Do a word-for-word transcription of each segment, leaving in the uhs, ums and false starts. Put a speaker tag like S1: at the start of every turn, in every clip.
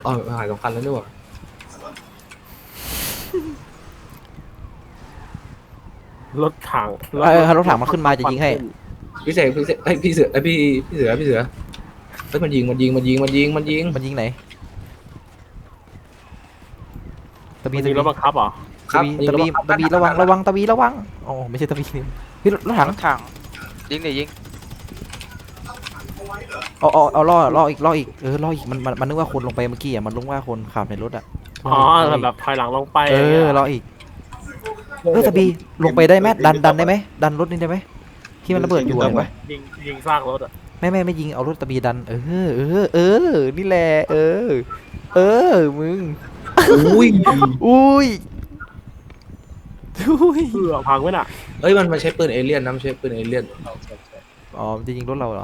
S1: อ๋อหายสำคัญแล้วด้วย
S2: รถถังร
S3: เอ
S2: ถรถ
S3: อรถถังมันขึ้นมาจะยิงให้
S1: พี่เสกพี่เสกไอยพี่เสือไอยพี่พี่เสือพี่เสือเฮ้ยมันยิงมันยิงมันยิงมันยิงมันยิง
S3: มันยิงไหนตะบี
S2: มันยิงร
S3: ตะบี
S2: ถบังคับเหรอ
S1: ครั
S3: ตะ
S1: บ
S3: บี
S1: ยิง
S3: ตะบี
S1: รถ
S3: ตะบีระวังระวังตะบีระวังอ๋อไม่ใช่ตะบีเฮ้ยรถรถถัง
S4: รถถังยิงเดี๋ยวยิง
S3: เอาเอาเอาล่อล่ออีกล่ออีกเออล่ออีกมันมันมันนึกว่าคนลงไปเมื่อกี้อ่ะมันนึกว่าคนขับในรถอ่ะ
S2: อ๋อแบบถอยหลังลงไป
S3: เอ
S2: อย่างเงี้
S3: อย ล่ออีกเออตะบีลงไปได้ไหมดันดันได้ไหมดันรถนี่ได้ไหมที่มันระเบิดอยู่อะเห็นปะ
S2: ยิงยิงซากรถอ่ะ
S3: ไม่ไม่ไม่ยิงเอารถตะบีดันเออเออเออนี่แหละเออเออมึง
S1: อุ้ย
S3: อุ้ยอุ้ย
S2: เพื่อพังไว้น่ะ
S1: เอ้ยมันมันใช้ปืนเอเลี่ยนนะมันใช้ปืนเอเลี่ยน
S3: อ๋อมันจะยิงรถเราเหรอ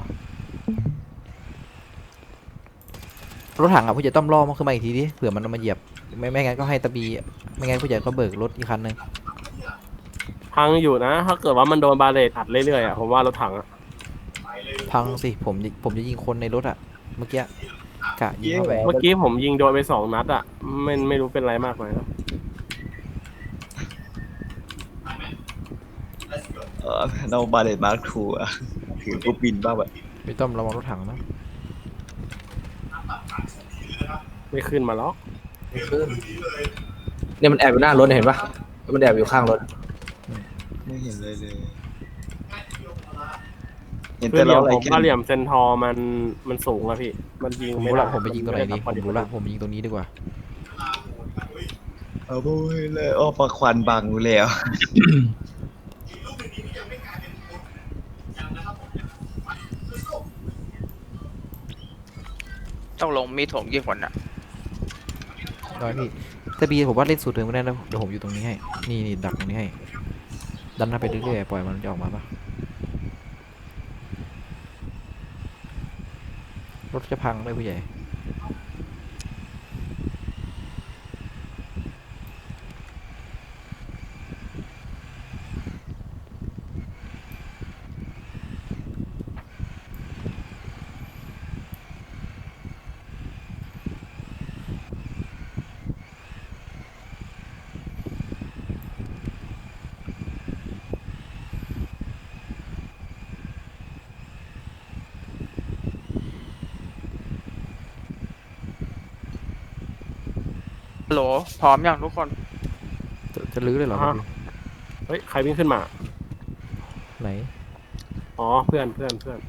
S3: รถถังอ่ะผู้ใหญ่ต้อมล่อมันขึ้นมาอีกทีดิเผื่อมันเอามาเหยียบไม่ไม่งั้นก็ให้ตะบีไม่งั้นผู้ใหญ่ก็เบิกรถอีกคันนึง
S2: พังอยู่นะ ถ้าเกิดว่ามันโดนบาเลตอัดเรื่อยๆอ่ะผมว่ารถถังอ่ะ
S3: พังสิผมผมจะยิงคนในรถอ่ะเมื่อกี้กะยิงเข้าไป
S2: เมื่อกี้ผมยิงโดนไปสองนัดอ่ะไม่ไม่รู้เป็นไรมากไหมนะ
S5: เออเราบาเลตมาร์คทูอะถือปุ๊บบินบ้างแบบ
S3: ไม่ต้องระวังรถถังนะ
S2: ไม่ขึ้นมาหรอก
S1: ไม่ขึ้นเนี่ยมันแอบอยู่หน้ารถเนี่ยเห็นปะมันแอบอยู่ข้างรถ
S5: ไม่เห็นเลยเลย เห็น
S2: คือ
S5: แต่
S2: เหลี่
S5: เรา
S2: ยม
S5: อะไร
S2: ผม
S5: แค่
S2: ว่าเหลี่ยมเซนทอร์มันมันสูงอะพี่มันยิง
S3: ผม
S2: ไม่
S3: รู้
S2: ได้
S3: ละผมไปยิงตรงไหนดีผมรู้ละผมไปยิงตรงนี้ดีกว่า
S5: เอาโว้ยเลยอ้อปลาควันบังอยู่แล้ว
S4: ต้องลงมีดถมกี่คนอ่ะ
S3: ร้อยพี่ตะบีผมว่าเล่นสูตรเดิมไม่ได้แล้วเดี๋ยวผมอยู่ตรงนี้ให้นี่นี่ดักตรงนี้ให้ดันหน้าไปเรื่อยๆปล่อยมันจะออกมาปะรถจะพังด้วยผู้ใหญ่
S4: โหลพร้อมยังทุกคน
S3: จะจะลื้อเลยเหรอตะบี
S2: เฮ้ยใครวิ่งขึ้นมา
S3: ไหน
S2: อ๋อเพื่อนเพื่อนเพื่อน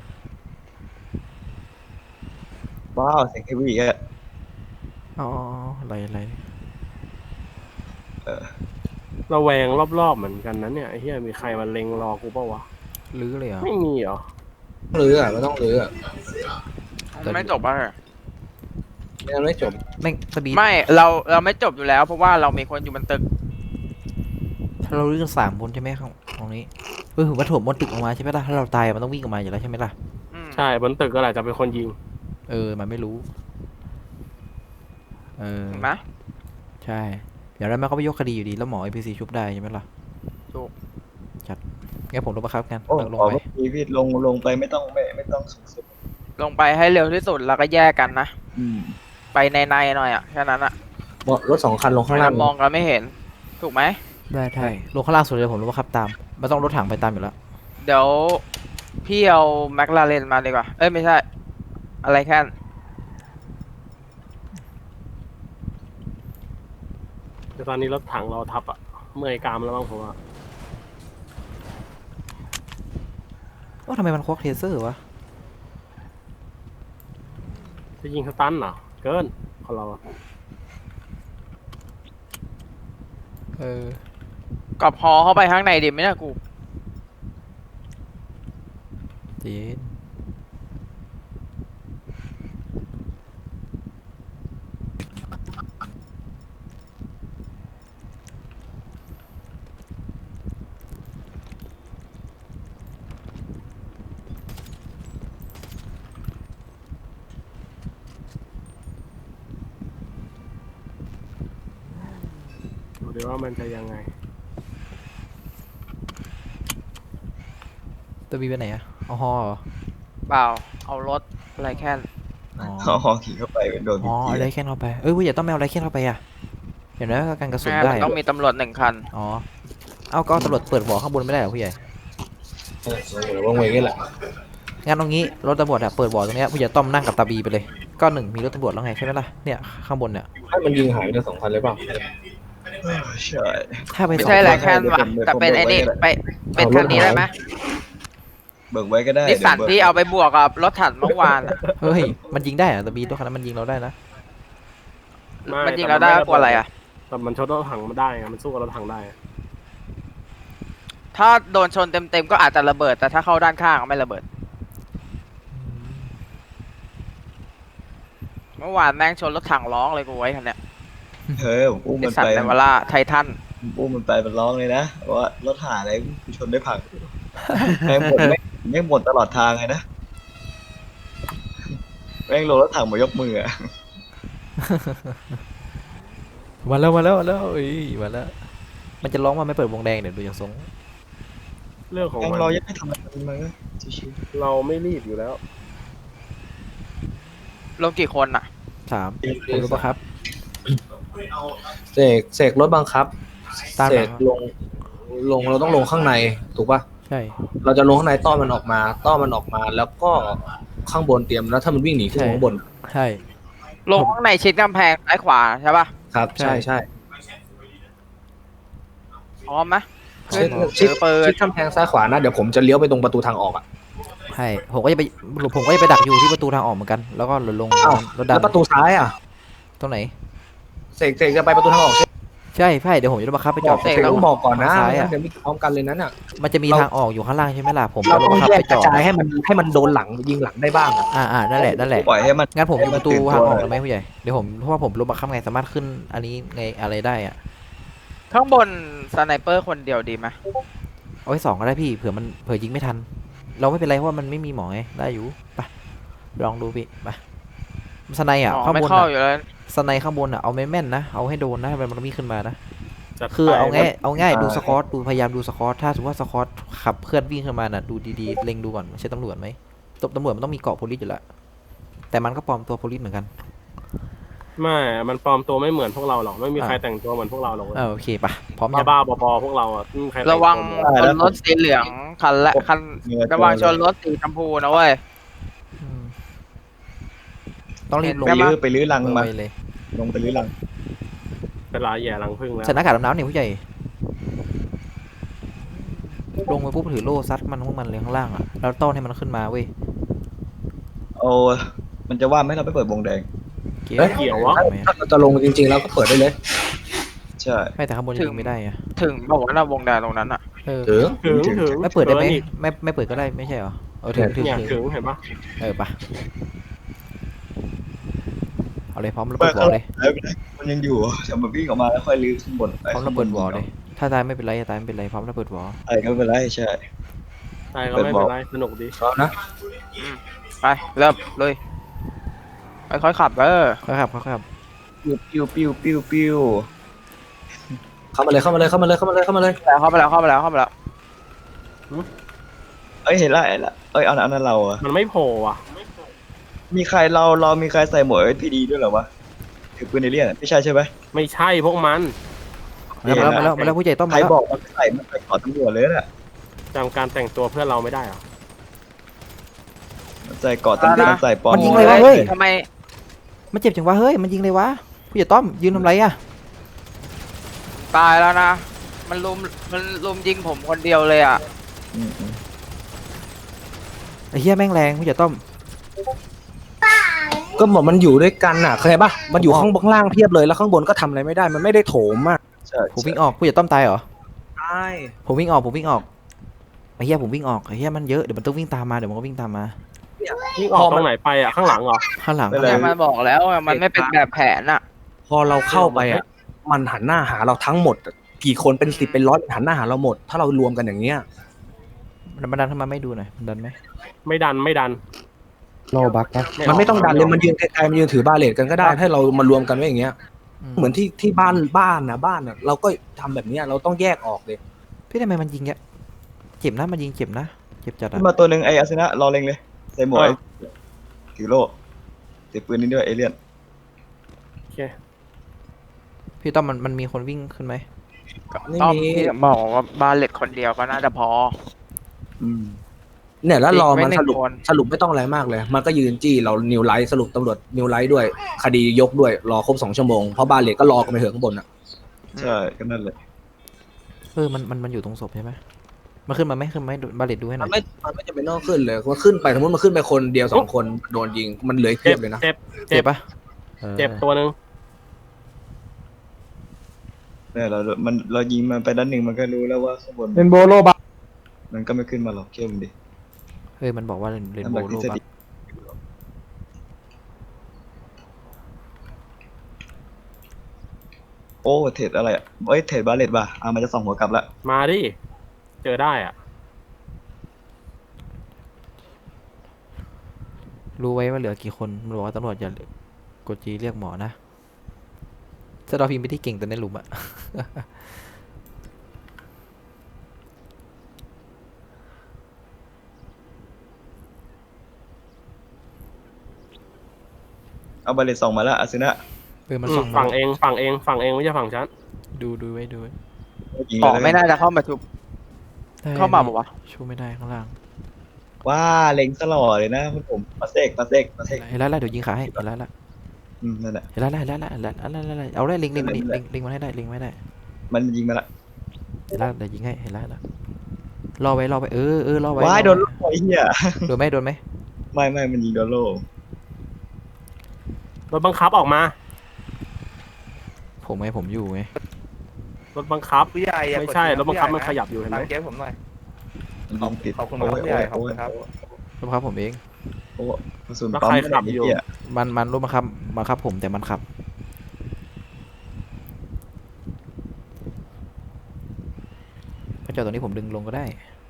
S5: ว้าวเสียงเฮฟวี่อะ
S3: อ๋ออะไรอะไร
S2: ระแวงรอบๆเหมือนกันนะเนี่ยไอ้เหี้ยมีใครมาเล็งรอกูเปล่าวะ
S3: ลื้อเลยเหรอ
S2: ไม่มีเหรอ
S1: ต้องรื้ออ่ะมันต้องรื้ออ่ะ
S4: ไม่จบอ่ะ
S1: ไม่งั้นไม่จบ
S3: แม่งตะบี
S4: ไม่เราเราไม่จบอยู่แล้ว เพราะว่าเรามีคนอยู่บนตึก
S3: ถ้าเราลื้อกันสามคนใช่ไหมข้างตรงนี้เออผมว่าถมบนตึกออกมาใช่ไหมล่ะถ้าเราตายมันต้องวิ่งออกมาอยู่แล้วใช่ไหมล่ะ
S4: อืม
S2: ใช่บนตึกก็แหละจะเป็นคนยิง
S3: เออมันไม่รู้เออ
S4: เห็นไหม
S3: ใช่เดี๋ยวแล้วมันก็ไปยกคดีอยู่ดีแล้วหมอไอพีซีชุบได้ใช่ไหมล่ะ
S4: ถูก
S3: จัดงั้นผมลงมาครับกัน
S5: โอ้
S3: ลง
S5: ขอ
S3: ไป
S5: เมื่อกี้พี่ลงลงไปไม่ต้องไม่ไม่ต้องสูงสุด
S4: ลงไปให้เร็วที่สุดแล้วก็แยกกันนะ
S5: อืม
S4: ไปในในๆหน่อยอ่ะแค่นั้นอ่ะ
S1: รถสองคันลงข้างล่าง
S4: มองกันไม่เห็น ถูกไหม
S3: ได้ใช่ลงข้างล่างสุดเลยผมลงมาครับตามไม่ต้องรถถังไปตามอยู่แล้ว
S4: เดี๋ยวพี่เอาแมคลาเรนมาดีกว่า เอ้ยไม่ใช่ อะไรแค่น
S2: แต่ตอนนี้รถถังเราทับอะเมื่อยกรามแล้วบ้างผมว่า
S3: ว่าทำไมมันควักเทเซอร์วะ
S2: จะยิงสตันเหรอเกินของเราอะ
S3: เออ
S4: กับฮอเข้าไปข้างในดิไม่น่ากู
S3: เจน
S2: ดูดิว่ามันจะยังไง
S3: ตัวบีไปไหนอะเอาฮอเหรอ
S4: เปล่า เอารถอะไรแค่น
S3: อ๋อ
S5: เอาหอขี่เข้าไปโดน
S3: อ๋ออะไรแค่นเข้าไปเอ้ยผู้ใหญ่ต้องไม่เอาอะไรแค่นเข้าไปอ่ะเห็นไหมว่าการกระสุน
S4: แม่
S3: ได้
S4: มัน
S3: อะ
S4: ต้องมีตำรวจหนึ่งคัน
S3: อ๋อเอาก็เอาตำรวจเปิดบ่อข้างบนไม่ได้เหรอผู้ใหญ่
S1: เออเดี๋ยวว่างเวงนี่แหละ
S3: งั้นตรงนี้รถตำรวจอะเปิดบ่อตรงเนี้ยผู้ใหญ่ต้อมนั่งกับตาบีไปเลยก็หนึ่งมีรถตำรวจแล้วไงใช่ไหมล่ะเนี่ยข้างบนเนี่ย
S1: ให้มันยิงหายไปทั้งสองคันเลยเปล่า
S5: ใช่
S3: ถ้าไป
S4: ไม่
S3: สอง
S4: ใช่แหละ
S3: คน
S4: แค่ว่ะแต่เป็นไอ้นี่ไปเป็นคันนี้ได้ไหม
S5: เบิกไว้ก็ได้
S4: นิสสัน
S5: ดี๋ยวบิก
S4: ที่เอาไปบวกกับรถถังเมื่อวานอะ
S3: เฮ้ยมันยิงได้เหรอตาบีตัวคันนั้นมันยิงเราได้นะ
S2: ไม่
S4: มันยิงเราได้กลัวอะไรอ่ะ
S2: แต่มันชนรถถังมาได้ไงมันสู้กับรถถังได้อะ
S4: ถ้าโดนชนเต็มๆก็อาจจะระเบิดแต่ถ้าเข้าด้านข้างก็ไม่ระเบิด เมื่อวานแม่งชนรถถังร้องเลยกูไว้คันเนี้ย
S5: เฮ้ยผมอุ้ม
S4: นิ
S5: มั
S4: ส
S5: น
S4: สัน
S5: ไป
S4: เนวาร่าไททัน
S5: ผมอุ้มมันไปมันร้องเลยนะว่ารถหาอะไรกูชนได้ผักแม่งหมดแม่งแม่งหมดตลอดทางเลยนะแม่งลงรถถังมายกมืออะ
S3: มาแล้วมาแล้วมาแล้วเอ้ยมาแล้วมันจะร้องว่าไม่เปิดวงแดงเดี๋ยวดูอย่างทรง
S2: เรื่องของ
S5: ยัง
S2: มัน
S5: รอยังไม่ทำอะไรมันก็ชิว
S2: เราไม่รีบอยู่แล้ว
S4: ลงกี่คนอ่ะ
S3: สามคุณรู้ปะครับ
S1: เสกเสกรถบังคับ
S3: ตาม
S1: เส
S3: หลั
S1: ก
S3: ง
S1: ลงลงเราต้องลงข้างในถูกป่ะ
S3: ใช่
S1: เราจะลงข้างในต้อนมันออกมาต้อนมันออกมา แล้วก็ข้างบนเตรียมแล้วถ้ามันวิ่งหนีขึ้นข้างบน
S3: ใช่
S4: ลงข้างในชิดกำแพงซ้ายขวาใช่ป่ะ
S1: ครับ ใช่ใช่
S4: พร้อมไหมขึ้น
S1: ชิ
S4: ถื
S1: ด
S4: อปืน
S1: ชิดกำแพงซ้ายขวานะเดี๋ยวผมจะเลี้ยวไปตรงประตูทางออกอ่ะ
S3: ใช่ผมก็จะไปผมก็จะไปดักอยู่ที่ประตูทางออกเหมือนกันแล้วก็ลง
S1: อ้าว
S3: รถดั
S1: แล้
S3: น
S1: วประตูซ้ายอ่ะ
S3: ตรงไหน
S1: เสกเสกจะไปประตูทางออกใช่ไหม
S3: ใช่ใช่เดี๋ยวผมจะบังคับไปจ
S1: บ
S3: อ
S1: อ
S3: ด
S1: กเสกต้องบอกก่อนนะ
S3: ทางซ้าย
S1: ไม่งั้
S3: อะ
S1: นเดี๋ยวมีพร้อมกันเลยนั้นอ่ะ
S3: มันจะมี
S1: เรา
S3: ทางออกอยู่ข้างล่างใช่ไหมล่ะผม
S1: เรา
S3: จะ
S1: ต้
S3: บั
S1: อง
S3: งคับ
S1: แยก
S3: ไป
S1: ก
S3: จ
S1: ระ
S3: อด
S1: จายให้มันให้มันโดนหลังยิงหลังได้บ้างอะ
S3: อ่าอ่านั่นแหละนั่นแหละ
S5: ปล่อยให้มัน
S3: งั้นผมอยู่ประตูทางออก
S5: ให้
S3: ได้
S5: มัน
S3: ไหมผู้ใหญ่เดี๋ยวผมเพราะว่าผมรถบังคับไงสามารถขึ้นอันนี้ไงอะไรได้อะ
S4: ข้างบนสไนเปอร์คนเดียวดีไหม
S3: เอาไว้สองก็ได้พี่เผื่อมันเผื่อยิงไม่ทัน เราไม่เป็นไรเพราะว่ามันไม่มีหมอไงได้อยู่ไปลองดูพี่ไปสไนอ่ะ
S4: อ๋อ
S3: ข้าง
S4: ไม่
S3: บน
S4: เข้า
S3: อะ
S4: อยู่แล้ว
S3: สไนข้างบนอ่ะเอาแม่นๆนะเอาให้โดนนะมันมันมีขึ้นมานะ
S2: จัด
S3: คือ
S2: ไป
S3: เอาง่ายเอาง่าย
S5: อ่า
S3: ดูสกอตดูพยายามดูสกอตถ้าสมมติว่าสกอตขับเคลื่อนวิ่งขึ้นมาน่ะดูดีๆเล็งดูก่อนไม่ใช่ตำรวจไหมตตำรวจมันต้องมีเกาะโพลิสอยู่แล้วแต่มันก็ปลอมตัวโพลิสเหมือนกัน
S2: ไม่มันปลอมตัวไม่เหมือนพวกเราหรอกไม่มี
S3: อ่า
S2: ใครแต่งตัวเหมือนพวกเราหรอก
S3: อ่าโอเคปะพร้อม
S2: บ้า
S3: ยัง
S2: บ้าๆบอๆพวกเราอ่ะไม่มีใครแต่
S4: ระวัง
S2: ตั
S4: ชนรถสีเหลืองคันละคันระวังชนรถสีชมพูนะเว้ย
S3: อืมต้องรีบลง
S5: ไปลื้อไปลื้อรังมา
S3: ไปเลย
S5: ลงไปลื้อรัง
S2: เป็นลายแย่รังพึ่งแล้ว
S3: ใส่หน้ากากดำน้ำเนี่ยผู้ใหญ่ลงไปปุ๊บถือโล่ซัดมันพวกมันเลยข้างล่างอ่ะแล้วต้อนให้มันขึ้นมาเว้ย
S5: โอ้มันจะว่าไหมเราไปเปิดวงแดง
S3: เกี่ยว
S1: เอ้ย
S2: เกี่ยววะ
S1: ถ้าเราจะลงจริงๆแล้วก็เปิดได้เลย
S5: ใช่
S3: ไม่แต่ข้างบนยังยิงไม่ได้อะ
S4: ถึงบอกว่าเราวงแดงตรงนั้นอ่ะ
S3: เออ
S1: ถึง
S2: ถึงถึง
S3: ไม่เปิดได้ไหม
S2: กินอีก
S3: ไม่ไม่เปิดก็ได้ไม่ใช่เหรอเออถึงถึง
S2: เนี่ย
S3: ถึง
S2: ถึงเห็นปะ
S3: เออปะเอาเลยพร้อมระเบิดวอลเลย
S5: แล้วมันยังอยู่จะมาวิ่งออกมาแล้วค่อยลื้อข้างบนไป
S3: พร้อมระเบิดวอลเลย ถ้าตายไม่เป็นไรตายไม่เป็นไรพร้อมระเบิดวอล
S5: อะไรก็ไม่เป็นไรใช่
S2: ใช่ก็ไม่เป็นไรสนุกดี
S1: พร้อมนะ
S4: ไปเริ่มเลยค่อยๆขับเออ
S3: ครับครับครับ
S5: ปิ้วปิ้วปิ้วปิ้ว
S1: เข้ามาเลยเข้ามาเลยเข้ามาเลยเข้ามาเลยเข้ามาเลย
S4: แล้วเข้าไปแล้วเข้าไปแล้วเข้าไปแล้ว
S5: เอ้ยเห็นละเห็นละเอ้ยเอาอันนั้นเราอะ
S2: มันไม่โผล่อ่ะ
S5: มีใครเราเรามีใครใส่หมวกเอสพีดีด้วยเหรอวะถือปืนเอเลี่ยนไม่ใช่ใช่ไหม
S2: ไม่ใช่พวกมัน
S3: มาแล้วมาแล้วมาแล้วผู้ใหญ่ต้อง
S5: ใคร
S3: มาแล้ว
S5: บอกมันใส่มันใส่ขอตำรวจเลยน่ะ
S2: จำการแต่งตัวเพื่อนเราไม่ได้เหรอ
S5: มันใส่เกาะตำรวจมันใส่ปอม
S3: มันยิงเลยวะเฮ้ย
S4: ทำไม
S3: มันเจ็บจังวะเฮ้ยมันยิงเลยวะผู้ใหญ่ต้อมยืนทำไรอะ
S4: ตายแล้วนะ มันลุมมันลุมยิงผมคนเดียวเลยอ่ะ
S5: อืมอืม
S3: ไอ้เหี้ยแม่งแรงผู้ใหญ่ต้อม
S1: ก็บอกมันอยู่ด้วยกันน่ะเข้าใจปะมันอยู่ข้างบนล่างเพียบเลยแล้วข้างบนก็ทำอะไรไม่ได้มันไม่ได้โถมอ่ะ
S5: ใช่
S3: ผมวิ่งออกผู้ใหญ่ต้อมตายเหรอ
S1: ใช่
S3: ผมวิ่งออกผมวิ่งออกไอ้เหี้ยผมวิ่งออกไอ้เหี้ยมันเยอะเดี๋ยวมันต้องวิ่งตามมาเดี๋ยวมันก็วิ่งตามมา
S2: นี่ออกตรงไหนไปอ่ะข้างหลังเหรอ
S3: ข้างหลัง
S4: เนี่ยมันบอกแล้วอะมันไม่เป็นแบบแผนอ่ะ
S1: พอเราเข้าไปอ่ะมันหันหน้าหาเราทั้งหมดอะกี่คนเป็นสิบเป็นร้อยหันหน้าหาเราหมด ถ้าเรารวมกันอย่างเงี้ย
S3: มันมันดันทำไมไม่ดูหน่อยมันดันไหม
S2: ไม่ดันไม่ดัน
S3: โลบักนะ
S1: มันไม่ต้องดันเลยมันยืนไกลๆมันยืนถือบาเลตกันก็ได้ให้เรามารวมกันไว้อย่างเงี้ยเหมือนที่ที่บ้านบ้านนะบ้านนะเราก็ทำแบบเนี้ยเราต้องแยกออกเลย
S3: พี่ทำไมมันยิงเงี้ยเจ็บนะมันยิงเจ็บนะเจ็บจัด
S5: ขึ้
S3: อะ
S5: นมาตัวหนึ่งไอ้อาสนะรอเล็งเลยใส่หมวกถือโล่ถือปืนนี่ด้วยเอเลี่ยน
S2: เค
S3: พี่ต้อมมันมันมีคนวิ่งขึ้นไหม
S1: ไม่
S4: ต้อม
S1: มี
S4: พี่บอกว่าบาเลตคนเดียวก็น่าจะพอ
S5: อืม
S1: เนี่ยแล้วรอ
S4: จริงไม่
S1: มัน
S4: หนึ่
S1: ส
S4: ง
S1: รุป
S4: คน
S1: สรุปไม่ต้องอะไรมากเลย มันก็ยืนจี้เรานิวไลท์สรุปตำรวจนิวไลท์ด้วย คดียกด้วยรอครบสองชั่วโมงเพราะบาเลตก็รอกันไปเถอะข้างบนอ่ะ
S5: ใช่ก็นั่นแหละ
S3: เออมันมันมันอยู่ตรงศพใช่ไหมมันขึ้นมาไหมขึ้นมาไหมบาเลตดูให้หน่
S1: มั
S3: อน ย
S1: ไม่มันไม่จำเป็นต้องขึ้นเลยมันขึ้นไปสมมติมันขึ้นไปคนเดียวสองคนโดนยิงมันเหลืออีกเพี
S2: เจ็
S1: ย
S2: บบ
S1: เลยนะ
S2: เจ็บ
S3: เจ็บปะออ
S2: เจ็บตัวหนึ่ง
S5: เนี่ยเรา มันเรายิงมันไปด้านหนึ่งมันก็รู้แล้วว่าข้างบน
S6: เป็นโบโลบา
S5: มันก็ไม่ขึ้นมาหรอกเชื่อมันดิ
S3: เฮ้ยมันบอกว่าเรนเรนโบว์โล
S5: ทฤษ
S3: ปะ
S5: ฎีโอ้เทรดอะไรอ่ะเอ้ยเทรดบาเลตป่ะอ่ะมันจะส่องหัวกลับละ
S2: มาดิเจอได้อ่ะ
S3: รู้ไว้ว่าเหลือกี่คนมันบอกว่าตำรวจอย่ากดจีเรียกหมอนะสตอพิมพ์ไม่ได้เก่งแต่ในหลุมอะ
S5: เอาบาเลตส่องมาละอาซินะ
S3: เออมัน
S2: อื
S3: ส่
S2: ม
S3: อง
S2: ฝั่ง
S3: มา
S2: เองฝั่งเองฝั่งเองไม่ใช่ฝั่งฉัน
S3: ดูดูไว้ดูไว้
S5: ยิง
S4: ต่อ
S5: เลย
S4: ไม่น่าจะเข้ามาชุบ
S3: ได้
S4: เข้ามาบอกว่า
S3: ชูไม่ได้ข้างล่าง
S5: ว่าเล็งตลอดเลยนะผมปัสเซกปัสเซกปัสเซก
S3: เห็นแล้วแล้วเดี๋ยวยิงขาให้เห็นแล้วแล้ว
S5: อืมนั่นแหละ
S3: เห็นแล้วแล้วเห็นแล้วแล้วเห็นแล้วแล้วแล้วเอาได้ลิงลิงมันลิงลิงลิงมันให้ได้ลิงไม่ได้
S5: มันยิงมาละ
S3: เห็นแล้วเดี๋ยวยิงให้เห็นแล้วแล้วรอไว้รอไว้เออเออรอไว้
S5: ว้าย
S3: ร
S5: โด
S3: อน ไว้
S5: ลูกไอ้เหี้ย
S3: โดนไหมโดนไหม
S5: ไม่ไม่มันยิงโดนโล
S2: รถบังคับออกมา
S3: ผมไงผมอยู่ไง
S2: รถบังคับ
S6: ผู้ใหญ่อย่า
S2: ไม่
S6: กด
S2: ใช่
S6: เสียง
S2: รถบังคับ
S6: ผู้
S2: มัน
S6: ให
S2: ข
S6: ญ่ะ
S2: ยับอยู่เห็นไหม
S6: ตามเกมผมหน่อย
S5: มันยิงติด
S6: ขอบคุณครับผู้ใหญ่ขอบคุณครับ
S3: รถบังคับผมเอง
S5: โอ้กระสุน
S2: แล้ว
S5: ปั๊ม
S2: ใคร
S5: ไม่
S2: ขั
S5: ได้
S2: บอยู่
S5: เหี้ย
S3: มันมันรถบังคับบังคับผมแต่มันขับถ้าจอดตรงนี้ผมดึงลงก็ได้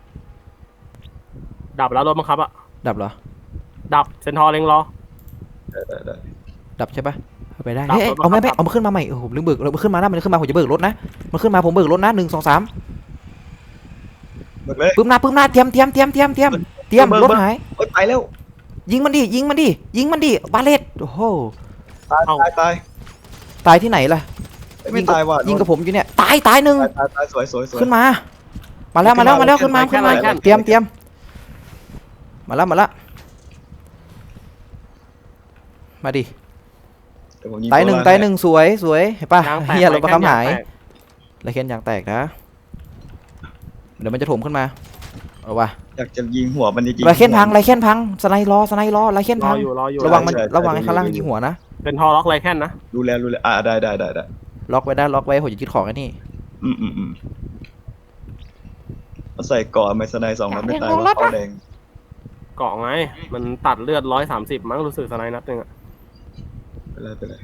S2: ดับแล้วรถบังคับอ่ะ
S3: ดับเหรอ
S2: ดับเซนทอร์เล็งรอ
S5: ได้ได้ได้
S3: ดับใช่ปะเอาไปได้
S2: ดับ
S3: เฮ้ย
S2: รถบังคับ
S3: เอาไม่ไม่เอามาขึ้นมาใหม่โอ้โหลืมเบิกเราขึ้นมานะมันขึ้นมาผมจะเบิกรถนะมันขึ้นมาผมเบิกรถนะหนึ่งสองสาม
S5: หมดเลย
S3: ปึ้มหน้าปึ้มหน้าเตรียมเตรียมเตรียมเตรียมเตรียมเตรียม
S5: เบิก
S3: รถ
S5: เบิก
S3: หาย
S5: โอ้ยไปแล้ว
S3: ยิงมันดิยิงมันดิยิงมันดิบาเลตโอ้โห
S5: ตายตายตาย
S3: ตายที่ไหนล่ะ
S5: เอ้ยไม่ตายว่ะ
S3: ยิงกับผมอยู่เนี่ยตายตายหนึ่ง
S5: ตายตายตายสวยสวยสวย
S3: ขึ้นมา มาแล้วมาแล้วมาแล้วขึ้นมาขึ้นมาเตรียมเตรียมมาแล้วมาแล้วมาดิ
S5: เดี๋ยวผมยิง
S3: ตายหนึ่ง
S5: ตัวล่
S3: ตายหนึ่งสวยสวยเห็นปะ
S2: ยางแตก
S3: เฮียเราประคำหาย
S2: แตก
S3: ไรเคนยางแตกนะเดี๋ยวมันจะถมขึ้นมาเอาวะ
S5: อยากจะยิงหัวมันจริงๆ
S3: ไรเคนพังไรเคนพังสไนรอสไนรอไรเคน
S2: รอ
S3: พัง
S2: อยู่รออยู่
S3: ระวังมัน
S5: ใช่ใช่
S3: ระวังไอ้
S5: ใช่
S3: ข้างล่าง
S5: ดูดู
S3: ยิงหัวนะ
S2: เซนทอร์ล็อกไรแค่นนะ
S5: ดูแลดูแลอ่าได้ได้ได้ได้
S3: ล็อกไว้ได้ล็อกไว้ผมจะยึดของไอ้นี่
S5: อืมอืมอืมเอาใส่ก่อนไมสไนด์สองนัดไม่ตายว่าเขาแดง
S2: เกาะไง มันตัดเลือดร้อยสามสิบมั้งรู้สึกสไนด์นัดหนึงอ่ะ
S5: ไปเลยไปเลย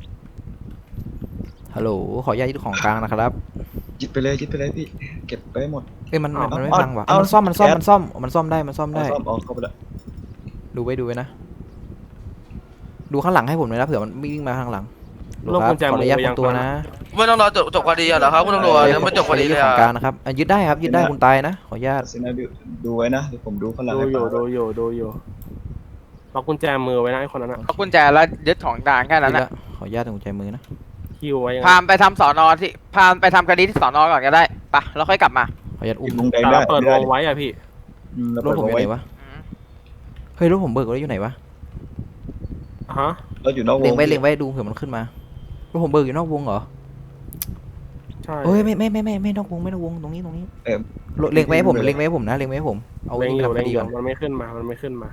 S3: ฮัลโหลขออนุญาตยึดของกลางนะครับ
S5: ยึดไปเลยยึดไปเลยพี่เก็บไปให้หมด
S3: เอ้ยมันมันมันไม่
S5: เอา
S3: พังว่ะ
S5: เอา
S3: มันซ่อมมันซ่อม
S5: แก๊ส
S3: มันซ่อมมันซ่อมได้มันซ่อม
S5: เอา
S3: ได้
S5: ซ่อมเอาเข้าไปละ
S3: ดูไว้ดูไว้นะดูข้างหลังให้ผมเลยนะเผื่อมันวิ่งมาข้างหลัง
S2: โลกกุญแจ
S3: ขออนุญาต
S2: มือ
S3: ค
S2: ยัง
S3: นตัวนะ
S7: ไม่ต้องรอจบจบคดีเหรอครับคุณตำรวจยังไม่จบคดีเลย
S3: ของ
S7: อะ
S3: กลางนะครับอ่ะยึดได้ครับยึดได้คุณตายนะขออนุญาต
S5: ซินะดูดูไว้นะเดี๋ยวผมดูข้างหลัง
S2: ดู
S5: ให้
S2: อยู่
S5: ฟัง
S2: ดูอยู่ดูอยู่ล็อกกุญแจมือไว้นะไอ้คนนั้นอ่ะ
S4: เอากุญแจแล้วยึดของกลางแค่นั้น
S3: ยึด
S4: นะ
S3: ละขออนุญาตตรงใจมือนะ
S2: คิวไว้ยังไง
S4: พามไปทำสอนอที่พามไปทำคดีที่สอนอก่อนก็ได้ปะแล้วค่อยกลับมา
S3: ขออนุญาตอุ้
S5: ยิ
S3: ม
S5: งวงแดง
S2: แต่
S5: ได้
S2: เราเปิด
S5: ไม่
S2: ว
S5: ได้
S2: งไว้อะพี่
S5: อืมเรา
S3: ร
S5: เปิ
S3: ถ
S5: ด
S3: ผม
S5: ว
S3: อง ยู่
S5: ไว้
S3: ไหนวะเฮ้ยรถผมเบิกรถอยู่ไหนวะ
S2: ฮะ
S5: เราอยู่นอกว
S3: เล็
S5: ง
S3: งไว้เล็งไว้ดูเผื่อมันขึ้นมารถผมเบิกอยู่นอกวงเหรอ
S2: ใช่
S3: เอ้ยไม่ไม่ไม่ไม่ไม่นอกวงไม่นอกวงตรงนี้ตรงนี้
S5: เออ
S3: รถเล็งไว้ให้ผมเล็งไว้ให้ผมนะเล็งไว้ให้ผมเอา
S2: เล็ง
S3: นี่
S2: อ
S3: ไป
S2: ยู่
S3: ทำค
S2: เล็ง
S3: ดี
S2: อยู่
S3: ก่อน
S2: มันไม่ขึ้นมา มันไม่ขึ้นมา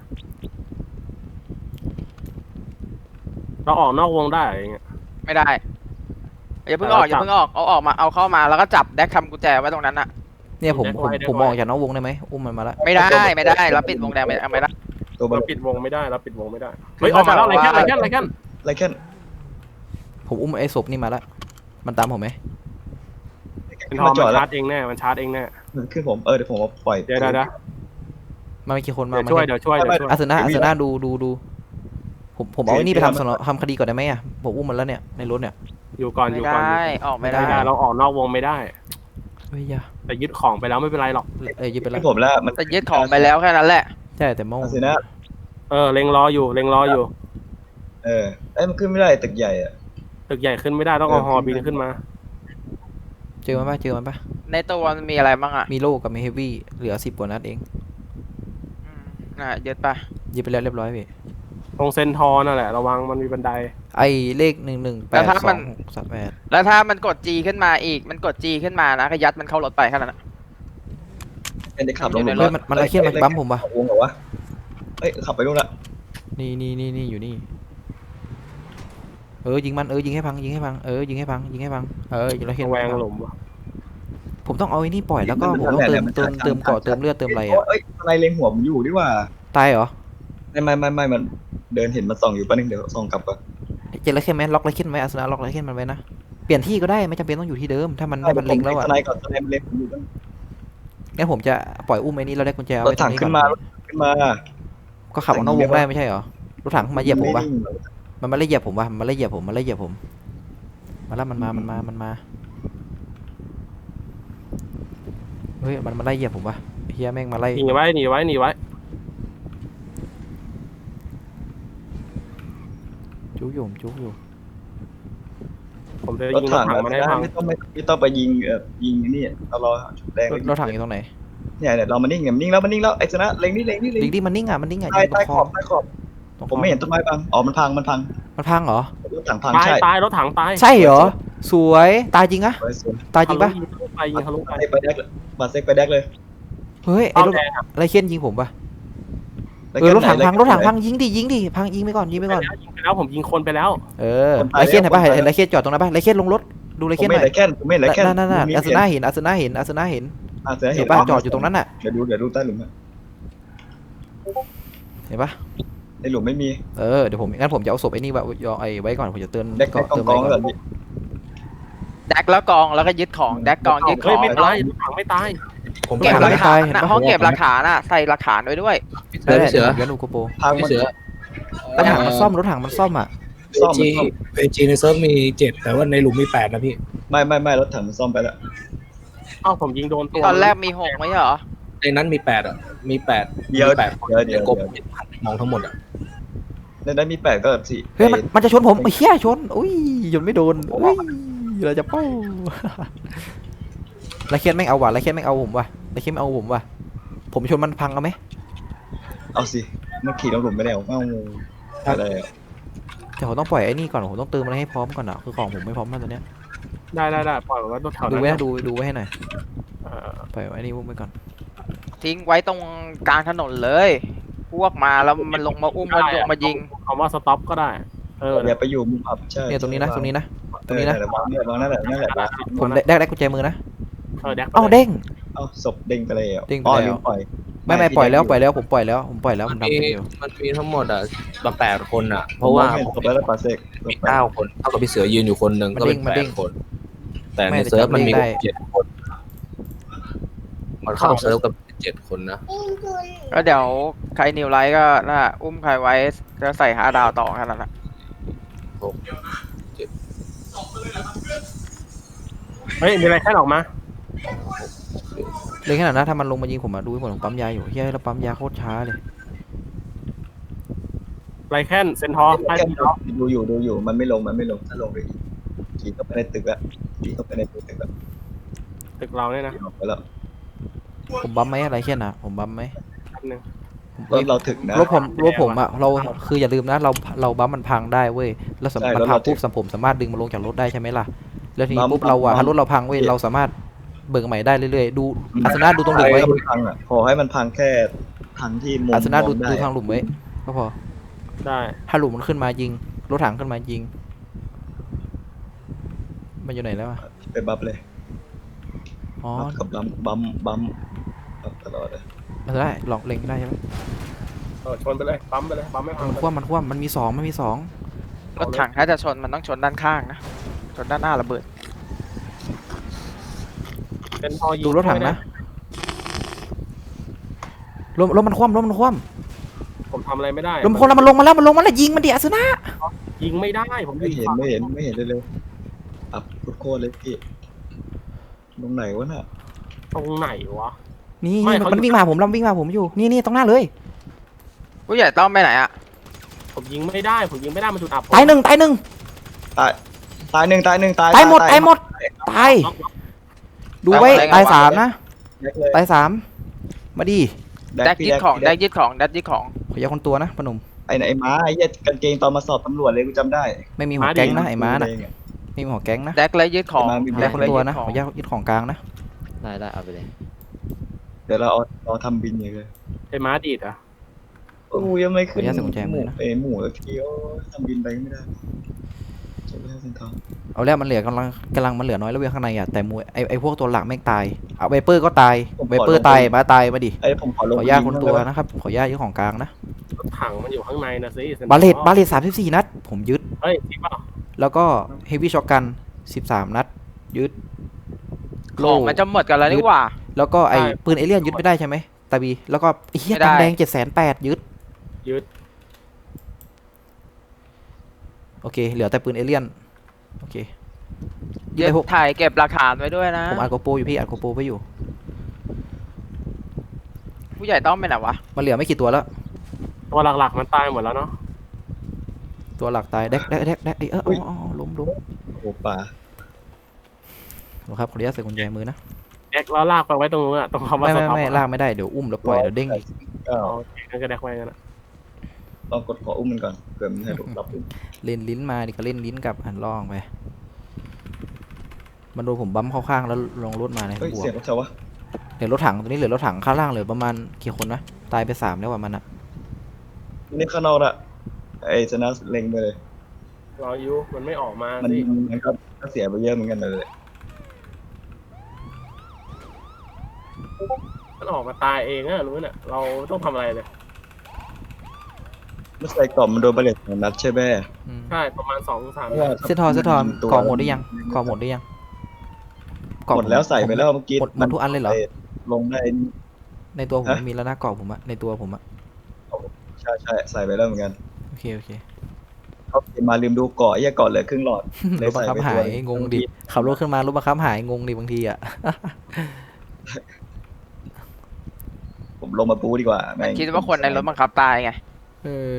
S2: เราออกนอกวงได้อะไรเงี้ย
S4: ไม่ได้อย่าเพิ่งออกอย่าเพิ่งออกเอาออกมาเอาเข้ามาแล้วก็จับแดกทำกุญแจไว้ตรงนั้นน่ะ
S3: เนี่ยผมผม
S2: ได้ไว้ได้
S3: ผม
S2: ไว้
S3: ออกจากนอกวงได้ไหมอุ้มมันมาละ
S4: ไม่ได้ไม่ได้แล้วปิดวงแดงไม่ไม่ได้
S5: ตัวบอล
S2: เราปิดวงไม่ได้เราปิดวงไม่ได้ เฮ้ยออกมาแล้วอะไรแค่อะไรแค่อะไรแค่
S5: ไรแค่น
S3: ผมอุ้มไอ้ศพนี่มาละมันตามผมไหม
S2: เป็นทอม
S5: มาจ
S2: มั
S5: อด
S2: น
S5: แล้ว
S2: ชาร์จเองแน่ มันชาร์จเองแน่
S5: มันขึ้นผมเออเดี๋ยวผมเอาปล่อย
S2: เดี๋ยวเดี๋ยวเดี๋ยว
S3: มาไม่กี่คนมา
S2: เดี๋ยว
S3: มา
S2: ช่วย
S3: เนี่ย
S2: เดี๋ยวช่วยเดี๋ยวช่วย
S3: อาสนะอา
S5: มี
S3: ส
S5: แล้
S3: นะ
S5: ว
S3: ดูดูดูผมผมเอาไอ้นี่ไปทำสนทำคดีก่อนได้ไหมอ่ะผมอุ้มมันแล้วเนี่ยในรถเนี่ย
S2: อยู่ก่อนอ
S4: ไม่
S2: ยู่ก่อน
S4: ได้ออกไม่ได้
S2: ไม่ได้เราออกนอกวงไม่ได้
S3: เฮ้ยอย่า
S2: แต่ยึดของไปแล้วไม่เป็นไรหรอก
S3: เอ้ยยึดไปแล้
S5: ขึ้
S3: วน
S5: ผมแล้วมัน
S4: แต่ยึดของไปแล้วแค่นั้นแหละ
S3: ใช่แต่เมื่อ
S5: อาซินะ
S2: เออเล็งรออยู่เล็งรออยู่
S5: เออเอ้ยมันขึ้นไม่ได้ตึกใหญ่อะ
S2: ตึกใหญ่ขึ้นไม่ได้ต้องเอาฮอบินขึ้นมา
S3: เจอมันปะเจอมันปะ
S4: ในตัวมันมีอะไรบ้างอ่ะ
S3: มีโล่กับมีเฮฟวี่เหลือสิบกว่านัดเอง
S4: อืมอ่ะยึดไป
S3: ยิงไปแล้วเรียบร้อยพี่
S2: ตรงเซนทอร์นั่นแหละระวังมันมีบันได
S3: ไอเลขหนึ่งหนึ่งแปดสองหกสามแปด
S4: แล้วถ้ามันกด G ขึ้นมาอีกมันกด G ขึ้นมานะก็ยัดมันเข้ารถไปแค่นั้นนะ
S5: เป็นได้ขับลง
S4: อยู่ในร
S3: เฮ้
S4: ถ
S3: ยมันมันไอเคียนมันบั๊มผมปะ
S5: วงเหรอวะเอ้ยขับไปนู่นละ
S3: นี่นี่นี่นี่อยู่นี่เออยิงมันเออยิงให้พังยิงให้พังเออยิงให้พังยิงให้พังเออยิงแล้วเคียน
S2: แวง
S3: พัง
S2: หลุมวะ
S3: ผมต้องเอาไอ้นี่ปล่อยแล้วก็ผมต้องเติมเติมเติมเกาะเติมเลือดเติมอะไรอ่ะ
S5: เอ้ยอะไรเล็งหัวผมอยู่ดีว่า
S3: ตายเหรอ
S5: ไม่ไม่ไม่ไม่มันเดินเห็นมันส่องอยู่แป๊บนึงเดี๋ยวส่องกลับก่อน
S3: เจอแล้วเคียนไหมล็อกแล้วเคียนไว้อาสนะล็อกแล้วเคียนมันไว้นะเปลี่ยนที่ก็ได้ไม่จำเป็นต้องอยู่ที่เดิมถ้ามันให้มันเล็งแล้วอ่ะ
S5: สไนก่อนสไนมันเล็งผมอยู่ตั้ง
S3: งั้นผมจะปล่อยอุ้มไอ้นี่แล้วได้กุญแจเอา
S5: รถ
S3: ไว้ตร
S5: ถั
S3: ง
S5: ง
S3: นี้
S5: ขึ้
S3: ก่อน
S5: นมารถขึ้นมา
S3: ก็ขับออกนอกวงได้ไม่ใช่เหรอรถถังมาเหยียบผมปะ
S5: ไนิ่งหรอก
S3: มันมาไล่เหยียบผมปะมันมาไล่เหยียบผมมันไล่เหยียบผมมาแล้วมันมามันมามันมาเฮ้ยมันมาไล่เหยียบผมปะเฮียแม่งมาไล่
S2: หนีไว้หนีไว้หนีไว้
S3: จุกอยู่ผมจุกอยู่
S2: ผมจะ
S5: รถ
S2: ยิงรถ
S5: ถัง
S2: ถัง
S5: อะ
S2: มันให้พัง
S5: ไม่ต้องไม่ไม่ต้องไปยิงเอ่อยิงนี่เรารอจุดแดง
S3: รถรถถังอยู่ตรงไหน
S5: เนี่ยเนี่ยเรามานิ่งเนี่ยนิ่งแล้วมันนิ่งแล้วไอ้ชนะเล็งนี่เล็งนี่เล็ง
S3: ดิ๊กดิมันนิ่งอ่ะมันนิ่งอ่ะ
S5: ใต้
S3: ยิงตร
S5: ใต้
S3: งค
S5: ข
S3: อ
S5: อบใต้ขอบ
S3: ตรงค
S5: ผมไม่เห็นต้นไม้พังอ๋อมันพังมันพัง
S3: มันพังเหรอ
S5: รถถังพัง
S2: ตาย
S5: ใช่
S2: ตายรถถังตาย
S3: ใช่เหรอสวยตายจริงอะ
S5: สวยสวย
S3: ตายจริงปะ
S2: ทะลุไปยิงทะลุไป
S5: ไปแดกเลยบาดเซ็กไปแดกเลย
S3: เฮ้ยไอ้
S2: เป้าร
S3: ถ
S2: แดงอะ
S3: อะไรเคียนยิงผมปะ
S5: แล้ว
S3: เออรถถัง
S5: ไหน
S3: พัง
S5: แล้ว
S3: รถถังพังยิงดิยิงดิพังยิงไปก่อนยิงไป
S2: ไป
S3: ก่อน
S2: แล้วยิงไปแล้วผมยิงคนไปแล้ว
S3: เออไรเคียนเห็นปะเห็นไรเคียนจอดตรงนั้นปะไรเคียนลงรถดูไร
S5: ผม
S3: เคียนห
S5: ไม่
S3: น่อย
S5: ได้แค่นผมไม่ได้แค่น
S3: นั่นนั่นนั่นอาสนะเห็นอาสนะเห็นอาสนะเห็น
S5: อ่ะเสือ
S3: เห็
S5: เห็
S3: น
S5: น
S3: ปะจอดอยู่ตรงนั้นน่ะ
S5: เดี๋ยวดูเดี๋ยวดูใต้หลุมอะ
S3: เห็นปะ
S5: ในหลุมไม่มี
S3: เออเดี๋ยวผมงั้นผมจะเอาศพไอ้นี่ไว้ไอ้ไว้ก่อนผมจะเตือน
S5: แดกแดก
S3: เติม
S5: กอง
S3: ไว้
S5: ๆ
S3: ก่
S5: แบ
S3: อน
S5: บนี้
S4: แดกแล้วกองแล้วก็ยึดของแดกกองยึดข
S2: เฮ้
S4: อย ง
S2: ไม่
S4: แล้ว
S2: ตายรถถังไม่ตาย
S1: ผม
S4: เก็บ
S1: ไป
S4: หลัก
S1: ไม่
S4: ฐาน
S3: เห็น
S4: นะ
S3: ปะ
S4: ห้องเก็บหลักฐานอ่ะใส่หลักฐานไว้ด้วย
S1: เสือพี่เสือ
S3: เดี๋ยวดูโกโปร
S5: พัง
S1: พี่
S5: มัน
S1: เสือ
S3: รถถังมันซ่อมรถถังมันซ่อมอ่ะ
S5: ซ่อม
S1: จี
S5: มันซ่อม
S1: เอจีในเซิร์ฟมีเจ็ดแต่ว่าในหลุมมีแปดนะพี่
S5: ไม่ไม่ไม่รถถังมันซ่อมไปแล้ว
S2: เอ้าผมยิงโดนตัว
S4: ตอนแรกมีหกไม่ใช่เหรอ
S1: ในนั้นมีแปดอ่ะมีแปด
S5: เดี๋ยว
S1: มีแปด
S5: เดี๋ยวเดี๋ยว
S1: กบ
S5: เดี๋ยว
S1: มองทั้งหมดอ่ะ
S5: ในนั้นมีแปดก็สี่
S3: เฮ้ยมันมันจะชนผมไอ้เหี้ยชนอุ้ยยนไม่โดนอุ้ยเราจะเป้าไรเคียนแม่งเอาว่ะไรเคียนแม่งเอาผมว่ะไรเคียนแม่งเอาผมว่ะผมชนมันพังเอาไหม
S5: เอาสิมันขี่ลงหลุมไม่ได้หรอเอ้าอะไรอะ
S3: แต่ผมต้องปล่อยไอ้นี่ก่อนผมต้องเติมอะไรให้พร้อมก่อนอ่ะคือของผมไม่พร้อมมากตอนเนี้ย
S2: ได้ได้ได้ปล่อยไว้รถแถว
S3: ดู
S2: นั้น
S3: ไว้นะดูดูไว้ให้หน่อย
S2: เออ
S3: ปล่อยไว้นี่ไว้ก่อน
S4: ทิ้งไว้ตรงกลางถนนเลย พวกมาแล้วมันลงมาอุ้มมันลงมายิง
S2: คำว่าสต็อปก็ได้ เออ
S5: อย่าไปอยู่มุมอับใช่
S3: เนี่ยตรงนี้นะตรงนี้นะ ตรงนี้นะ
S5: เออวางเนี่ยวางนั่นแหละนั่นแหละ
S3: ผมได้ได้ได้กุญแจมือนะ
S2: เออแดก
S3: เอ้าเด้ง
S5: เอาศพเด้งไปเลยอ่ะ
S3: เด้งไป
S5: อ๋อ
S3: แล้ว
S5: ลืมปล่อย
S3: ไม่ไม่ปล่อยแล้วปล่อยแล้วผมปล่อยแล้วผมปล่อยแล้ว
S1: มั
S3: มัน
S1: น
S3: ดำ
S1: มี
S3: เป็นอยู่
S1: มันมีทั้งหมดอ่ะมาแปดคนอ่ะ เพราะว่า
S5: ผมศพแล้วปาเซก
S1: มีเก้าคนเท่ากับพี่เสือยืนอยู่คนหนึ่งก็เป็นแปดคน แต่ในเซิร์ฟมันมีเจ็ดคน มันเข้าเซิร์ฟกับเจ็ดคนนะ
S4: ก็เดี๋ยวใครนิวไลท์ก็น่าอุ้มใครไว้จะใส่หาดาวต่อแค่นั้นแหละ
S2: เฮ้ยมีอะไรแค่ออกมา
S3: เลยขนาดนั้นถ้ามันลงมายิงผมอะดูให้ผมปั๊มยาอยู่เฮ้ยแล้วปั๊มยาโคตรช้าเลย
S2: ไรแค่นเซนทอร์ใต้ที่เรา
S5: ดูอยู่ดูอยู่มันไม่ลงมันไม่ลงถ้าลงไปขี่เข้าไปในตึกแล้วขี่เข้าไปในตึกแล้ว
S2: ตึกเราเนี่ยนะ
S5: ออกไปแล้ว
S3: ผมบัมไหมอะไรเช่นน่ะผมบัมไหม
S2: แป๊บนึง
S5: รถเราถึงนะ
S3: รถผมรถผมอะเราคืออย่าลืมนะเราเราบัมมันพังได้เว้ยแล้วสม
S5: ใช่
S3: มัน
S5: แล้ว
S3: พัง
S5: เรา
S3: ปุ๊บสมผมสามารถดึงมันลงจากรถได้ใช่ไหมล่ะแล้วทีนี้
S5: บัม
S3: ปุ๊บเราอะ
S5: บัม
S3: ถ้ารถเราพังเว้ยเราสามารถเบิกใหม่ได้เรื่อยๆดูอาสนะดูตรงหลุมไว้
S5: ให้มันพังอ่ะขอให้มันพังแค่พังที่มุม
S3: อาสนะดู
S5: มองได้
S3: ดูทางหลุมไว้ก็พอ
S2: ได้
S3: ถ้าหลุมมันขึ้นมายิงรถถังขึ้นมายิงมันอยู่ไหนแล้วอะ
S5: ไปบัฟเลย
S3: อ๋อ
S5: บัฟกับบัมบัมบัมบัฟตลอดเลย
S3: มันได้ลองเล็งได้ใช่ไหม
S2: เออชนไปเลยปั๊มไปเลยปั๊มไม่พัง
S3: มันคว่ำมันคว่ำมันมีสองมันมีสอง
S4: รถถังถ้าจะชนมันต้องชนด้านข้างนะชนด้านหน้าระเบิด
S2: เซนทอร์ยิง
S3: ดูรถถังนะรถรถมันคว่ำรถมันคว่
S2: ผมทำอะไรไม่ได้
S3: ำรถมันคว่ำแล้วมันลงมาแล้วมันลงมาแล้วยิงมันดิอาสนะ
S2: ยิงไม่ได้ผมอ
S5: ไม่
S2: ยู่
S5: เห็น
S2: ฝั่ง
S5: ไม่เห็นไม่เห็นเลยเลยอับโคตรเลยพี่ตรงไหนวะน่ะ
S2: ตรงไหนวะ
S3: นี่
S2: ไม่
S3: นี่
S2: เขา
S3: มันวิ่งมาหาผมแล้วมันวิ่งมาหาผมอยู่นี่นี่ตรงหน้าเลย
S4: ผู้ใหญ่ต้องไปไหนอ่ะ
S2: ผมยิงไม่ได้ผมยิงไม่ได้มันจุดอับผม
S3: ตายหนึ่งตายหนึ่ง
S5: ตายตายหนึ่งตายหนึ่งตาย
S3: ตายหมดตายหมดตายดูไว้ตายสามนะ
S5: แดกเลย
S3: ตายสามมาดิ
S5: แด
S4: แด
S5: ก
S4: ก
S5: พี่
S4: ยึดของ
S5: แด
S4: แด
S5: ก
S4: กยึดของแดกยึดของ
S3: ขอยาคนตัวนะพนม
S5: ไอ้ไหนไอ้ม้าไอ้เหี้ยกางเกงตอนมาสอบตำรวจเลยกูจำได้
S3: ไม่มีหัวแก๊งนะไอ้ม้าน่ะ
S5: เองอะ
S3: ไม่มีหัวแก๊งนะ
S4: แดกและยึดของ
S5: ไอ้ม้ามี
S3: ขอยาคนตัวนะ
S4: แดก
S3: ข
S4: และ
S3: อยายึดของกลางนะ
S6: ได้ได้เอาไปเลย
S5: เดี๋ยวเราเอาเราทำบินอย่างเลย
S2: ไอ้ม้าดีดอ่ะ
S5: โอ้ยยังไม่ขึ้น
S3: ขออนุญาตใส่กุญแจมือนะ
S5: เอ้หมูสักทีโอ้ยทำบินไปไม่ได้จบแล้วเส้นทาง
S3: เอาแล้วมันเหลือกำลังกำลังมันเหลือน้อยแล้วเว้ยข้างในอ่ะแต่มวยไอไอพวกตัวหลักแม่งตายเอาไวเปอร์ก็ตายไวเปอร์ตายมาตายมาดิ
S5: ไอ้ผมขอ
S3: ข
S5: ล
S3: อง อนุญาตคนตัวนะครับขออนุญาตยึดของกลางนะ
S2: รถถังมันอยู่ข้างในนะสิ
S3: บาเลตบาเลตสามสิบสี่นัดผมยึด
S2: เฮ้ยจริงเปล่า
S3: แล้วก็เฮฟวี่ช็อตกันสิบสามนัดยึด
S4: ของมันจะหมดกันแล้วนี่หว่า
S3: แล้วก็ไอปืนเอเลี่ยนยึดไม่ได้ใช่ไหมตาบีแล้วก็ไอ้เฮีย
S4: ไม่ได้
S3: ตังแดงเจ็ดแสนแปดยึด
S2: ยึด
S3: โอเคเหลือแต่ปืนเอเลี่ยนโอเคยึด
S4: เดี๋ยว
S3: ไปพวก
S4: ถ่ายเก็บหลักฐานไว้ด้วยนะ
S3: ผมอัดโกโปรอยู่พี่อัดโกโปรไว้อยู่
S4: ผู้ใหญ่ต้องเป็นไหนวะ
S3: มันเหลือไม่กี่ตัวแล้ว
S2: ตัวหลักๆมันตายหมดแล้วเนาะ
S3: ตัวหลักตายแดกแดกแดกแดกไอ้เอออ๋ออ๋อล้มล้ม
S5: โอ้ป่า
S3: ครับขออนุญาตใส่กุญแจมือนะ
S2: แดกแล้วลากไปไว้ตรงนู้นอะตรงคำว่า
S3: ไม่
S2: ส
S3: ไม่
S2: ต็อป
S3: ไม่ลากไม่ได้เดี๋ยวอุ้มแล้วปล่อยเดี๋ยวเด้งอีก
S5: เก้า
S2: โอเคงั้นก็แดกไว้กันนะ
S5: ลองกดขออุ้มมันก่อนเผื่อมันให้ถูกรับอุ้ม
S3: เล่นลิ้นมาดิก็เล่นลิ้นกับหันล่องไปมันโดนผมบั๊มเข้าข้างแล้วลงรถมาใน
S5: เฮ้ย
S3: บวก
S5: เสียงรถเชาวะ
S3: เหลือรถถังตัวนี้เหลือรถถังข้างล่างเหลือประมาณกี่คนนะตายไปสามแล้วว่ะมันอะ
S5: นี่ข้างนอกละไอ้ชนะเล็งไปเลย
S2: รออยู่มันไม่ออกมา
S5: มัน
S2: สิ
S5: มันก็ก็เสียไปเยอะเหมือนกันเลย
S2: มันออกมาตายเองอะรู้น่ะเราต้องทำอะไรเลย
S5: ไม่ใส่กล่องมันโดนบาเลตของนัดใช่ไหม
S3: อืม
S2: ใช่ประมาณสองสาม
S3: เส้นทอนเส้นทอนกล่องหมดได้ยังกล่องหมดได้ยังกล่อง
S5: หมดแล้วใส่ไปแล้วเมื่อกี้
S3: หมดหมดทุกอันเลยเหรอ
S5: ลงได้
S3: ในตัวผม
S5: ฮะ
S3: ไม่มีแล้วนะกล่องผมอะในตัวผมอะ
S5: ใช่ใช่ใส่ไปแล้วเหมือนกัน
S3: โอเคโอเค
S5: เขาเก็บมาลืมดูเกาะไอ้เหี้ยเกาะเหลือครึ่งหลอด
S3: รถบังคับหายงงดิขับรถขึ้นมารถบังคับหายงงดิบางทีอะ
S5: ผมลงมาปูดีกว่าแม่ง
S4: คิดว่าคนในรถบังคับตายไง
S3: เออ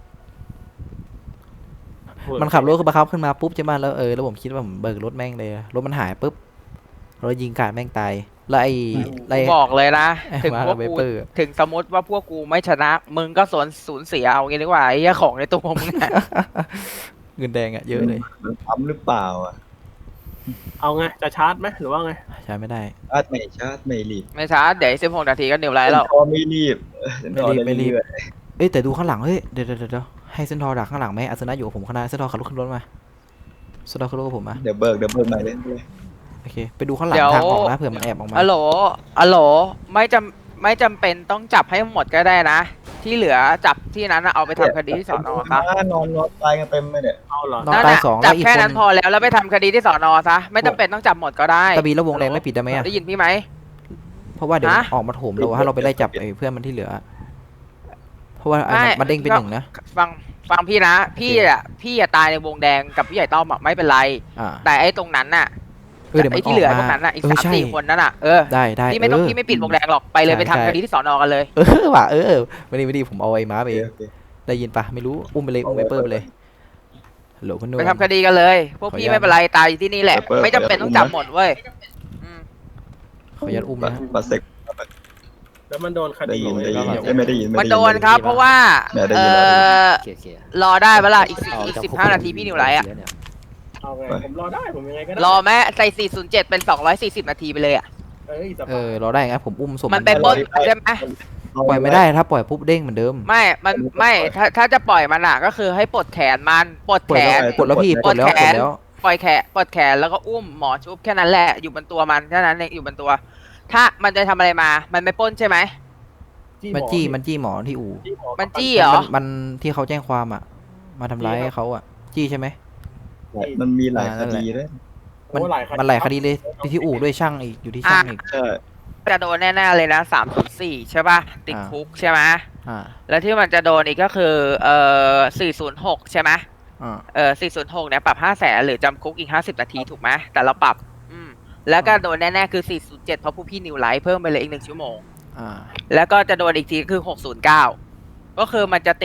S3: มันขับรถขึ้นบังคับขึ้นมาปุ๊บใช่ไหมแล้วเออแล้วผมคิดว่าผมเบิกรถแม่งเลยรถมันหายปุ๊บรถยิงกาดแม่งตายแล้วไอ้ไอ้
S4: บอกเลยนะ
S3: ไอ้
S4: ถึง
S3: มา
S4: พวก
S3: เว
S4: กู
S3: เปอร์
S4: ถึงสมมติว่าพวกกูไม่ชนะ มึงก็สวนสูญเสียเอางี้ดีกว่าไอ้เหี้ยของในตัวมึงอะ
S3: เงินแดงอะเยอะเลย
S5: มันปั๊มหรือเปล่าอ่ะ
S2: เอาไงจะชาร์จไหมหรือว่าไง
S3: ใช้ไม่ได้
S5: ชาร์จไม่ชาร์จไม่รีบ
S4: ไม่ช้าเดี๋ยวสิบหกนาทีก็นิวไลท์แล้ว
S5: พอไม่รีบเออ
S3: ไม่รีบไม่รีบ
S5: เออ
S3: เอ้ยแต่ดูข้างหลังเฮ้ยเดี๋ยวเดี๋ยวเดี๋ยวให้เซนทอร์ดักข้างหลังไหมอาสนะอยู่กับผมข้างหน้าเซนทอร์ขับรถขึ้นรถมาเซนทอร์ขึ้นรถกับผมมา
S5: เดี๋ยวเบิกเดี๋ยวเบิกใหม่เลย
S3: โอเคไปดูข้างหลัง
S4: เดี๋ยว
S3: ทางออกนะเผื่อมันแอบออกมา
S4: อะโหลอะโหลไม่จำไม่จำเป็นต้องจับให้หมดก็ได้นะ ที่เหลือจับที่นั้นน่ะเอาไปทำคดีที่สอนอซะ
S5: นอนนอนตายกันเต็มเลยเนี่ย
S2: เอาเหรอ
S3: น้อง
S4: นั่น
S3: ตาย
S4: น่ะ
S3: สอง
S4: จั
S3: แล้
S4: บ
S3: วอีก
S4: แค่
S3: คน
S4: นั้นพอแล้วแล้วไปทำคดีที่สอนอซะไม่จำเป็นต้องจับหมดก็ได้
S3: ตะบีแล้ววงแดงไม่ปิดได้ไหมอะ
S4: ได้ยินพี่ไหม
S3: เพราะว่าเดี๋ยว
S4: ฮะ
S3: ออกมาโถมเราถ้าเราไปไล่จับไอ้เพื่อนมันที่เหลือ เพราะว่าอันนั้น
S4: ไม่
S3: มันเด้งเป็น
S4: ก็
S3: หนึ่งนะ
S4: ฟังฟังพี่นะ พี่อ่ะพี่อ่ะตายในวงแดงกับพี่ใหญ่ต้อมอ่ะไม่เป็นไร
S3: อ่า
S4: แต่ไอ้ตรงนั้นน่ะ
S3: เออเดี๋ยวมั
S4: ไอ้
S3: น
S4: ที่เหลือ
S3: ออก
S4: พ
S3: มาว
S4: กนั้นน่ะอีก
S3: เออ
S4: สาม
S3: ใช่
S4: สี่คนนั้นน่ะเออ
S3: ได้ได้
S4: พี่ไม่ต้อง
S3: เออ
S4: พี่ไม่ปิดวงแดงหรอกไปเลย
S3: ใช่
S4: ไปทำ
S3: ใช่
S4: คดีที่สอนอกันเลย
S3: เออว่ะเออไม่ดีไม่ดีผมเอาไอ้ม้าไป
S5: โอ
S3: เอ
S5: เค
S3: ง
S5: โอเค
S3: ได้ยินปะไม่รู้อุ้มไปเลยอุ้มไปเปอร์ไปเลยฮัลโหลคุณนุ่
S4: ไปทำคดีกันเลย พวก
S3: ขออนุ
S4: พี่
S3: ญาต
S4: ไม่เป็นไรตายอยู่ที่นี่แหละ
S5: เปิด
S4: ไม่จำเป็นต้องจับหมดเว้ยอืม
S3: ขออนุญาตอุ้ม
S5: บัต
S3: นะ
S5: รบัตรเซ็ก
S2: แล้วมันโดนค
S5: ได้
S2: ดี
S5: ยิน
S2: ไหม
S5: ได้ยิน
S2: แล้ว
S5: เอ้ยไม่ได้ยิน
S4: มันโดนครับ เพราะว่า
S5: เนี่ยได้
S4: เอ
S5: ยินแล้ว
S4: อ
S6: เคลียร์เคลียร์
S4: รอได้เวลาอีกสิบ
S6: เอา
S4: อีก
S6: จาก
S4: สิบห้านาทีพี่นิวไลท์อ่ะ
S6: เนี่ย
S2: เอาไงผมรอได้ผมยังไงก็ได้
S4: รอแม่ใส่สี่ศูนย์เจ็ดเป็นสองร้อยสี่สิบนาทีไปเลยอ่ะ
S2: เอ้ยส
S3: เอบ
S2: าย
S3: อเราได้ไงผมอุ้มศพ
S4: มันไปปล้นใช่ไหม
S3: ปล่อยไม่ได้ถ้าปล่อยปุ๊บเด้งเหมือนเดิม
S4: ไม่ มันไม่ถ้าถ้าจะปล่อยมันอ่ะก็คือให้ปลดแขนมันปลด
S3: ปล
S4: แข
S3: ดแล้ว
S4: น
S3: ปลดแล้วพี่ปลดแล้ว
S4: ปลด
S3: ป
S4: แข
S3: ลด
S4: น
S3: แล้ว
S4: ปล่อยแขนปลดแขนแล้วก็อุ้มหมอชุบแค่นั้นแหละอยู่บนตัวมันแค่นั้นเองอยู่บนตัว ถ้ามันจะทำอะไรมา มันไม่ปล้นใช่ไหม
S3: มันจี้มันจี้หมอที่อู่
S2: จี้หอ
S4: มันจี้เหรอ
S3: มันมันที่เขาแจ้งความอ่ะ มาทำร้ายเขาอ่ะ จี้ใช่ไหม
S5: มันมีหลาย
S3: อ่า
S5: ค
S3: นั่นแหละ
S5: ดีด้วย
S3: มัน
S2: โอ้หลายคดี
S3: มันหลายคดีเลยไปที่อู่ด้วยช่างอีกอยู่ที่ช่างอีก
S5: ใช่
S4: จะโดนแน่ๆเลยนะสามศูนย์สี่ใช่ป่ะติด
S3: อ่า
S4: คุกใช่ไหม
S3: อ่า
S4: แล้วที่มันจะโดนอีกก็คือเอ่อสี่ศูนย์หกใช่ไหม
S3: อ่า
S4: เออสี่ศูนย์หกเนี่ยปรับห้าแสนหรือจำคุกอีกห้าสิบนาทีถูกไหมแต่เราปรับอืมแล้วก็โดนแน่ๆคือสี่ศูนย์เจ็ดเพราะผู้พี่นิวไลท์เพิ่มไปเลยอีกหนึ่งชั่วโมง
S3: อ่า
S4: แล้วก็จะโดนอีกทีคือหกศูนย์เก้าก็คือมันจะติด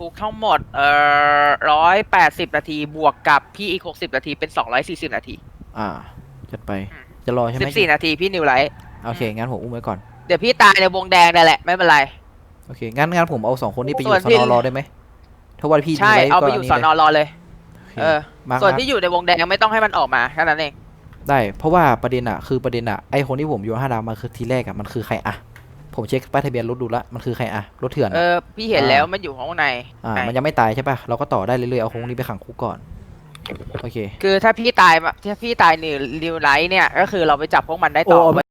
S4: คุกทั้งหมดเอ่อร้อยแปดสิบนาทีบวกกับพี่อีกหกสิบนาทีเป็นสองร้อยสี่สิบนาที
S3: อ่าจัดไป
S4: อืม
S3: จะรอใช่ไห
S4: สิ
S3: ม
S4: บสี่นาทีพี่นิวไลท์
S3: โอเคงั้นผมอุ้มไว้ก่อน
S4: เดี๋ยวพี่ตายในวงแดงนั่นแหละไม่เป็นไร
S3: โอเคงั้นงั้นผมเอาสองคนนี้ไปอยู่
S4: ส่วน
S3: ส
S4: ที่
S3: นรอได้ไหมถ้าว่าพี่
S4: ใช่
S3: ดูไว้
S4: เอาไป
S3: ก็
S4: อยู่
S3: นี่
S4: สอน
S3: เล
S4: อย รอเลย
S3: โอเค
S4: เออ
S3: มาร์ค
S4: ส่วน
S3: นะ
S4: ที่อยู่ในวงแดงไม่ต้องให้มันออกมาแค่นั้นเอง
S3: ได้เพราะว่าประเด็นอะคือประเด็นอะไอคนที่ผมโยนห้าดาวมาคือทีแรกอะมันคือใครอะผมเช็คป้ายทะเบียนรถดูละมันคือใครอะรถเถื่อน
S4: เอ
S3: อะ
S4: อพี่เห็นแล้วมันอยู่ข้างใน
S3: อ่า
S4: ไหน
S3: มันยังไม่ตายใช่ป่ะเราก็ต่อได้เรื่อยๆเอาคนนี้ไปขังคุกก่อนโอเค
S4: คือถ้าพี่ตายมาถ้าพี่ตายนิวนิวไลท์เนี่ยก็คือเราไปจับพวกมันได้ต่อ
S3: โอ้